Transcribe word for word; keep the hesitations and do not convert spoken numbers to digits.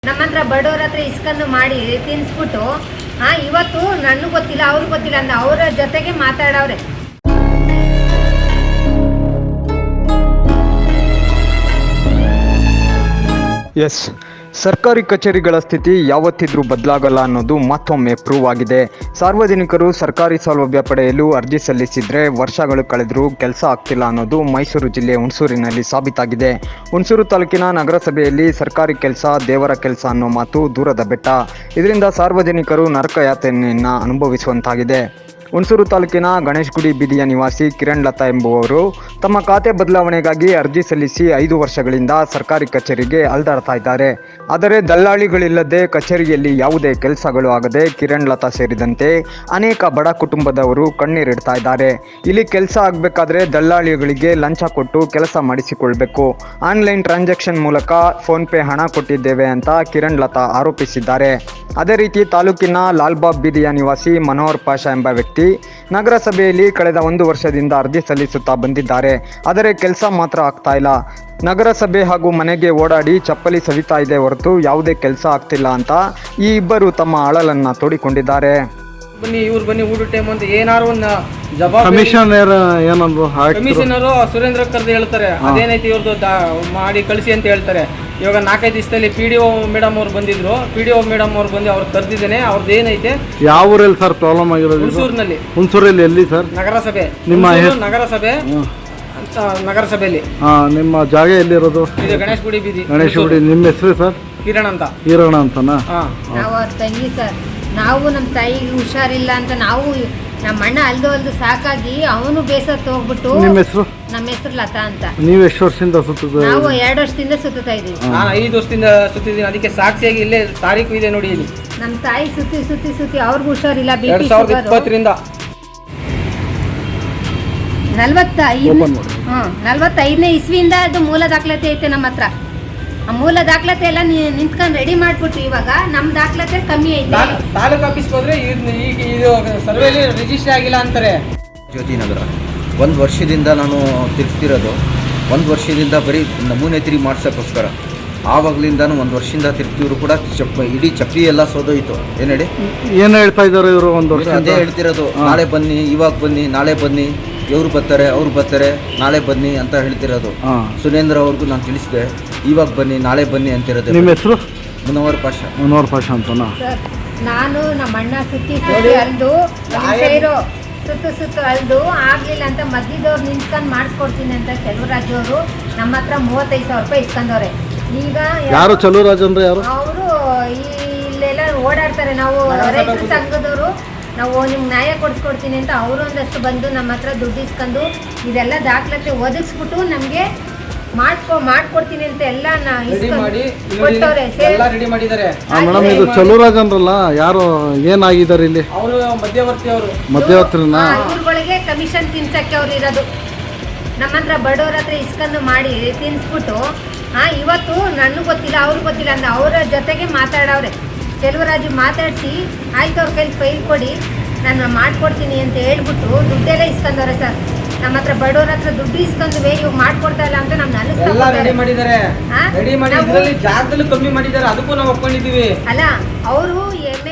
ನಮ್ಮ ಹತ್ರ ಬಡವ್ರ ಹತ್ರ ಇಸ್ಕೊಂಡು ಮಾಡಿ ತಿನ್ಸ್ಬಿಟ್ಟು ಹಾ ಇವತ್ತು ನನಗೆ ಗೊತ್ತಿಲ್ಲ ಅವ್ರಿಗೆ ಗೊತ್ತಿಲ್ಲ ಅಂತ ಅವರ ಜೊತೆಗೆ ಮಾತಾಡವ್ರೆ. ಎಸ್, ಸರ್ಕಾರಿ ಕಚೇರಿಗಳ ಸ್ಥಿತಿ ಯಾವತ್ತಿದ್ರೂ ಬದಲಾಗಲ್ಲ ಅನ್ನೋದು ಮತ್ತೊಮ್ಮೆ ಪ್ರೂವ್ ಆಗಿದೆ. ಸಾರ್ವಜನಿಕರು ಸರ್ಕಾರಿ ಸೌಲಭ್ಯ ಪಡೆಯಲು ಅರ್ಜಿ ಸಲ್ಲಿಸಿದ್ರೆ ವರ್ಷಗಳು ಕಳೆದರೂ ಕೆಲಸ ಆಗ್ತಿಲ್ಲ ಅನ್ನೋದು ಮೈಸೂರು ಜಿಲ್ಲೆ ಹುಣಸೂರಿನಲ್ಲಿ ಸಾಬೀತಾಗಿದೆ. ಹುಣಸೂರು ತಾಲೂಕಿನ ನಗರಸಭೆಯಲ್ಲಿ ಸರ್ಕಾರಿ ಕೆಲಸ ದೇವರ ಕೆಲಸ ಅನ್ನೋ ಮಾತು ದೂರದ ಬೆಟ್ಟ. ಇದರಿಂದ ಸಾರ್ವಜನಿಕರು ನರಕಯಾತನೆಯನ್ನು ಅನುಭವಿಸುವಂತಾಗಿದೆ. ಹುಣಸೂರು ತಾಲೂಕಿನ ಗಣೇಶ್ ಗುಡಿ ಬೀದಿಯ ನಿವಾಸಿ ಕಿರಣ್ ಲತಾ ಎಂಬುವವರು ತಮ್ಮ ಖಾತೆ ಬದಲಾವಣೆಗಾಗಿ ಅರ್ಜಿ ಸಲ್ಲಿಸಿ ಐದು ವರ್ಷಗಳಿಂದ ಸರ್ಕಾರಿ ಕಚೇರಿಗೆ ಅಲೆದಾಡ್ತಾ ಇದ್ದಾರೆ. ಆದರೆ ದಲ್ಲಾಳಿಗಳಿಲ್ಲದೆ ಕಚೇರಿಯಲ್ಲಿ ಯಾವುದೇ ಕೆಲಸಗಳು ಆಗದೆ ಕಿರಣ್ ಲತಾ ಸೇರಿದಂತೆ ಅನೇಕ ಬಡ ಕುಟುಂಬದವರು ಕಣ್ಣೀರಿಡ್ತಾ ಇದ್ದಾರೆ. ಇಲ್ಲಿ ಕೆಲಸ ಆಗಬೇಕಾದ್ರೆ ದಲ್ಲಾಳಿಗಳಿಗೆ ಲಂಚ ಕೊಟ್ಟು ಕೆಲಸ ಮಾಡಿಸಿಕೊಳ್ಬೇಕು. ಆನ್ಲೈನ್ ಟ್ರಾನ್ಸಾಕ್ಷನ್ ಮೂಲಕ ಫೋನ್ಪೇ ಹಣ ಕೊಟ್ಟಿದ್ದೇವೆ ಅಂತ ಕಿರಣ್ ಲತಾ ಆರೋಪಿಸಿದ್ದಾರೆ. ಅದೇ ರೀತಿ ತಾಲೂಕಿನ ಲಾಲ್ಬಾಗ್ ಬೀದಿಯ ನಿವಾಸಿ ಮನೋಹರ್ ಪಾಷಾ ಎಂಬ ವ್ಯಕ್ತಿ ನಗರಸಭೆಯಲ್ಲಿ ಕಳೆದ ಒಂದು ವರ್ಷದಿಂದ ಅರ್ಜಿ ಸಲ್ಲಿಸುತ್ತಾ ಬಂದಿದ್ದಾರೆ. ಆದರೆ ಕೆಲಸ ಮಾತ್ರ ಆಗ್ತಾ ಇಲ್ಲ. ನಗರಸಭೆ ಹಾಗೂ ಮನೆಗೆ ಓಡಾಡಿ ಚಪ್ಪಲಿ ಸವಿತಾ ಇದೆ ಹೊರತು ಯಾವುದೇ ಕೆಲಸ ಆಗ್ತಿಲ್ಲ ಅಂತ ಈ ಇಬ್ಬರು ತಮ್ಮ ಅಳಲನ್ನ ತೋಡಿಕೊಂಡಿದ್ದಾರೆ. ಬನ್ನಿ ಇವ್ರು ಬನ್ನಿ ಊಟ ಟೈಮ್ ಅಂತ ಏನಾರು ಒಂದು ಜವಾಬ್ದಾರಿ ಕಮಿಷನರ್ ಏನಂದ್ರು ಕಮಿಷನರು ಸುರೇಂದ್ರ ಕರ್ದು ಹೇಳ್ತಾರೆ ಅದೇನೈತಿ ಇವ್ರದ್ದು ಮಾಡಿ ಕಳಿಸಿ ಅಂತ ಹೇಳ್ತಾರೆ. ಇವಾಗ ನಾಲ್ಕೈದು ದಿವಸದಲ್ಲಿ ಪಿ ಡಿ ಒ ಮೇಡಮ್ ಅವ್ರು ಬಂದಿದ್ರು. ಪಿ ಡಿ ಒ ಮೇಡಮ್ ಅವ್ರು ಬಂದು ಅವ್ರು ಕರೆದಿದ್ದೇನೆ. ಅವ್ರದ್ದು ಏನೈತೆ ಯಾವ ಊರಲ್ಲಿ ಸರ್ ಪ್ರಾಬ್ಲಮ್ ಆಗಿರೋದು? ಹುಣಸೂರಿನಲ್ಲಿ. ಹುಣಸೂರಲ್ಲಿ ಎಲ್ಲಿ ಸರ್? ನಗರಸಭೆ. ನಿಮ್ಮ ಹುಣಸೂರು ನಗರಸಭೆ ಅಂತ ನಗರಸಭೆಯಲ್ಲಿ. ಹಾ, ನಿಮ್ಮ ಜಾಗ ಎಲ್ಲಿರೋದು? ಇದು ಗಣೇಶ್ ಗುಡಿ ಬೀದಿ. ಗಣೇಶ್ ಗುಡಿ. ನಿಮ್ಮ ಹೆಸರು ಸರ್? ಕಿರಣ್ ಅಂತ. ಕಿರಣ್ ಅಂತನಾ? ನಾವು ಅವ್ರ ತಂಗಿ ಸರ್. ನಾವು ನಮ್ಮ ತಾಯಿಗೆ ಹುಷಾರಿಲ್ಲ ಅಂತ ನಾವು ನಮ್ಮ ಅಣ್ಣ ಅಲ್ದು ಅಲ್ದು ಸಾಕಾಗಿ ಅವನು ಬೇಸತ್ತು ಹೋಗ್ಬಿಟ್ಟು. ನಿಮ್ಮ ಹೆಸರು? ನಮ್ಮ ಹೆಸರು ಲತಾ ಅಂತ. ನೀವು ಎಷ್ಟು ವರ್ಷದಿಂದ ಸುತ್ತ? ನಾವು ಎರಡು ವರ್ಷದಿಂದ ಸುತ್ತಾ ಇದೀವಿ. ನಾನು ಐದು ವರ್ಷದಿಂದ ಸುತ್ತಿದ್ದೀನಿ. ಅದಕ್ಕೆ ಸಾಕ್ಷಿಯಾಗಿ ಇಲ್ಲೇ ತಾರೀಕು ಇದೆ ನೋಡಿ ಇಲ್ಲಿ. ನಮ್ಮ ತಾಯಿ ಸುತ್ತಿ ಸುತ್ತಿ ಸುತ್ತಿ ಅವ್ರಿಗೂ ಹುಷಾರಿಲ್ಲ. ಬಿ ಎರಡ್ ಪಿ ಸಾವಿರದ ಇಪ್ಪತ್ತರಿಂದ ನಲ್ವತ್ತೈದು ಹ್ಮ್ ನಲ್ವತ್ತೈದನೇ ಇಸ್ವಿಯಿಂದ ಅದು ಮೂಲ ದಾಖಲಾತಿ ಐತೆ ನಮ್ಮ ಹತ್ರ. ಆ ಮೂಲ ದಾಖಲಾತಿ ಎಲ್ಲ ನಿಂತ್ಕೊಂಡು ರೆಡಿ ಮಾಡ್ಬಿಟ್ಟು ಇವಾಗ ನಮ್ಮ ದಾಖಲಾತಿ ಕಮ್ಮಿ ಐತೆ. ತಾಲೂಕು ಆಫೀಸ್ಗೆ ಹೋದ್ರೆ ಈಗ ಇದು ಸರ್ವೇಲಿ ರಿಜಿಸ್ಟರ್ ಆಗಿಲ್ಲ ಅಂತಾರೆ. ಜ್ಯೋತಿ ನಗರ ಒಂದು ವರ್ಷದಿಂದ ನಾನು ತಿರ್ಗ್ತಿರೋದು. ಒಂದು ವರ್ಷದಿಂದ ಬರೀ ನಮೂನೆ ತಿರುಗಿ ಮಾಡ್ಸೋಕ್ಕೋಸ್ಕರ ಆವಾಗಲಿಂದಾನು ಒಂದು ವರ್ಷದಿಂದ ತಿರ್ಗ್ತಿದ್ರು ಕೂಡ ಚಪ್ ಇಡೀ ಚಪ್ಪಲಿ ಎಲ್ಲ ಸೋದೋಯ್ತು. ಏನು ಹೇಳಿ ಏನು ಹೇಳ್ತಾ ಇದ್ದಾರೆ ಇವರು? ಒಂದು ವರ್ಷ ಅದೇ ಹೇಳ್ತಿರೋದು, ನಾಳೆ ಬನ್ನಿ, ಇವಾಗ ಬನ್ನಿ, ನಾಳೆ ಬನ್ನಿ, ಇವ್ರು ಬರ್ತಾರೆ, ಅವ್ರು ಬರ್ತಾರೆ, ನಾಳೆ ಬನ್ನಿ ಅಂತ ಹೇಳ್ತಿರೋದು. ಸುರೇಂದ್ರ ಅವ್ರಿಗೂ ನಾನು ತಿಳಿಸಿದೆ, ಇವಾಗ ಬನ್ನಿ, ನಾಳೆ ಬನ್ನಿ ಅಂತಿರೋದು. ನಿಮ್ಮ ಹೆಸರು? ಮುನವರ್ ಪಾಷಾ. ಮುನವರ್ ಪಾಷಾ ಅಂತನಾ? ಸರ್, ನಾನು ನಮ್ಮ ಅಣ್ಣ ಸುತ್ತಿ ಸುತ್ತಿ ಅಲ್ದು ಇರೋ ಸುತ್ತು ಸುತ್ತು ಅಲ್ದು ಆಗ್ಲಿಲ್ಲ ಅಂತ ಮಧ್ಯದವ್ರು ನಿಂತ್ಕೊಂಡು ಮಾಡಿಸ್ಕೊಡ್ತೀನಿ ಅಂತ ಚೆಲುವರಾಜ್ ಅವರು ನಮ್ಮ ಹತ್ರ ಮೂವತ್ತೈದು ಸಾವಿರ ರೂಪಾಯಿ ಇಸ್ಕೊಂಡವ್ರೆ. ಈಗ ಯಾರು ಚೆಲುವರಾಜ್ ಅಂದ್ರೆ ಯಾರು? ಅವರು ಇಲ್ಲೆಲ್ಲ ಓಡಾಡ್ತಾರೆ. ನಾವು ರೈತರ ಸಂಘದವರು ನಾವು ನಿಮ್ಗೆ ನ್ಯಾಯ ಕೊಡಿಸ್ಕೊಡ್ತೀನಿ ಅಂತ ಅವರು ಒಂದಷ್ಟು ಬಂದು ನಮ್ಮ ಹತ್ರ ದುಡ್ಡು ಇಸ್ಕೊಂಡು ಇದೆಲ್ಲ ದಾಖಲಾತಿ ಒದಗಿಸ್ಬಿಟ್ಟು ನಮಗೆ ಮಾಡ್ಕೊ ಮಾಡ್ಕೊಡ್ತೀನಿ ಅಂತ ಎಲ್ಲ ಕೊಟ್ಟವ್ರೆ. ರೆಡಿ ಮಾಡಿದ್ದಾರೆ. ಮೇಡಮ್, ಇದು ಚೆಲುವರಾಜ್ ಅಂದ್ರಲ್ಲ, ಯಾರು ಏನಾಗಿದ್ದಾರೆ ಇಲ್ಲಿ? ಅವರು ಮಧ್ಯವರ್ತಿ. ಅವರು ಮಧ್ಯವರ್ತಿನ ಇವ್ರುಗಳಿಗೆ ಕಮಿಷನ್ ತಿನ್ಸಕ್ಕೆ ಅವ್ರು ಇರೋದು. ನಮ್ಮ ಹತ್ರ ಬಡವ್ರ ಹತ್ರ ಇಸ್ಕೊಂಡು ಮಾಡಿ ತಿನ್ಸ್ಬಿಟ್ಟು ಹಾ ಇವತ್ತು ನನಗೆ ಗೊತ್ತಿಲ್ಲ ಅವ್ರಿಗೆ ಗೊತ್ತಿಲ್ಲ ಅಂತ ಅವರ ಜೊತೆಗೆ ಮಾತಾಡವ್ರೆ. ಚೆಲುವರಾಜು ಮಾತಾಡಿಸಿ ಆಯ್ತು ಅವ್ರ ಕೈಲಿ ಫೈಲ್ ಕೊಡಿ ನಾನು ಮಾಡ್ಕೊಡ್ತೀನಿ ಅಂತ ಹೇಳ್ಬಿಟ್ಟು ದುಡ್ಡೆಲ್ಲ ಇಸ್ಕೊಂಡವ್ರೆ ಸರ್. ನಮ್ಮ ಹತ್ರ ಬಡವ್ರ ಹತ್ರ ದುಡ್ಡು ಇಸ್ಕೊಂಡ್ವಿ, ಇವಾಗ ಮಾಡ್ಕೊಡ್ತಾ ಇಲ್ಲ ಅಂತ ನಮ್ಗೆ ಅನಿಸ್ತಾ ರೆಡಿ ಮಾಡಿದ್ದಾರೆ. ರೆಡಿ ಮಾಡಿ ಜಾಗದಲ್ಲಿ ಕಮ್ಮಿ ಮಾಡಿದ್ದಾರೆ. ಅದಕ್ಕೂ ನಾವು ಒಪ್ಕೊಂಡಿದ್ದೀವಿ. ಅಲ್ಲ ಅವರು